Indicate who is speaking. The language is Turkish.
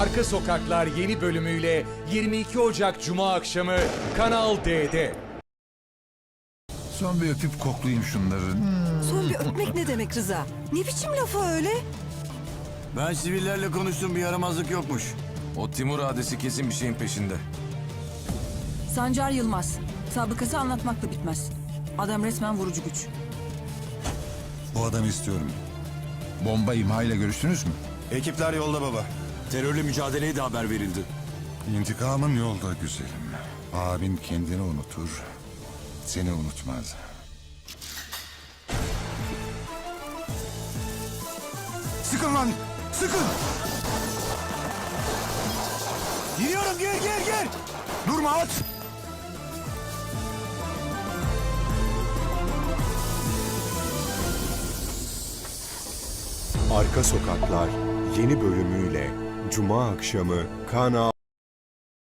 Speaker 1: Arka Sokaklar yeni bölümüyle 22 Ocak Cuma akşamı Kanal D'de.
Speaker 2: Son bir öpüp koklayayım şunları.
Speaker 3: Son bir öpmek ne demek Rıza? Ne biçim lafı öyle?
Speaker 4: Ben sivillerle konuştum, bir yaramazlık yokmuş.
Speaker 5: O Timur adesi kesin bir şeyin peşinde.
Speaker 6: Sancar Yılmaz. Sabıkası anlatmakla bitmez. Adam resmen vurucu güç.
Speaker 2: Bu adamı istiyorum. Bomba imha ile görüştünüz mü?
Speaker 4: Ekipler yolda baba. Terörle mücadeleye de haber verildi.
Speaker 2: İntikamın yolda güzelim. Abin kendini unutur, seni unutmaz. Sıkın lan! Sıkın!
Speaker 4: Giriyorum, gir!
Speaker 2: Durma at!
Speaker 7: Arka Sokaklar yeni bölümüyle Cuma akşamı Kanal